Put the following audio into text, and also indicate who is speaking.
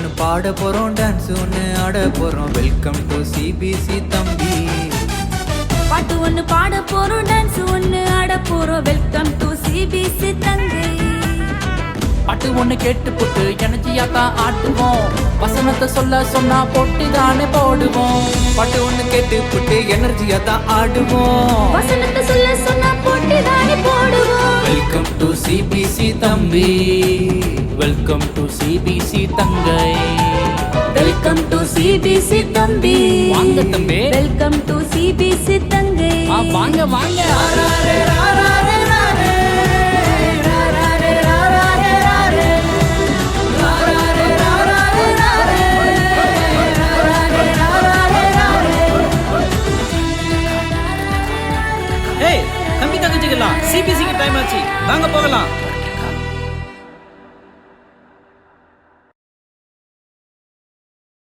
Speaker 1: ஒன்று பாட போறோம், டான்ஸ் ஒன்று ஆட போறோம். வெல்கம் டு சிபிசி தம்பி.
Speaker 2: பாட்டு ஒன்று பாட போறோம், டான்ஸ் ஒன்று ஆட போறோம். வெல்கம் டு சிபிசி தங்கை.
Speaker 3: பாட்டு ஒன்று கேட்டு போட்டு எனர்ஜியா தான் ஆட்டுவோம். வசனத்தை சொல்ல சொன்னா போட்டு தானே போடுவோம்.
Speaker 1: பாட்டு ஒன்று கேட்டு போட்டு எனர்ஜியா தான் ஆடுவோம்.
Speaker 2: வசனத்தை சொல்ல சொன்னா போட்டு தானே போடுவோம்.
Speaker 1: வெல்கம் டு சிபிசி தம்பி. வெல்கம் டு சிபிசி தங்கை.
Speaker 2: வெல்கம் டு சிபிசி தம்பி.
Speaker 3: வாங்க தம்பி.
Speaker 2: வெல்கம் டு சிபிசி தங்கை.
Speaker 3: வாங்க வாங்க.
Speaker 4: தம்பி தங்கச்சிக்கலாம், சிபிசிக்கு டைம் ஆச்சு, வாங்க போகலாம்.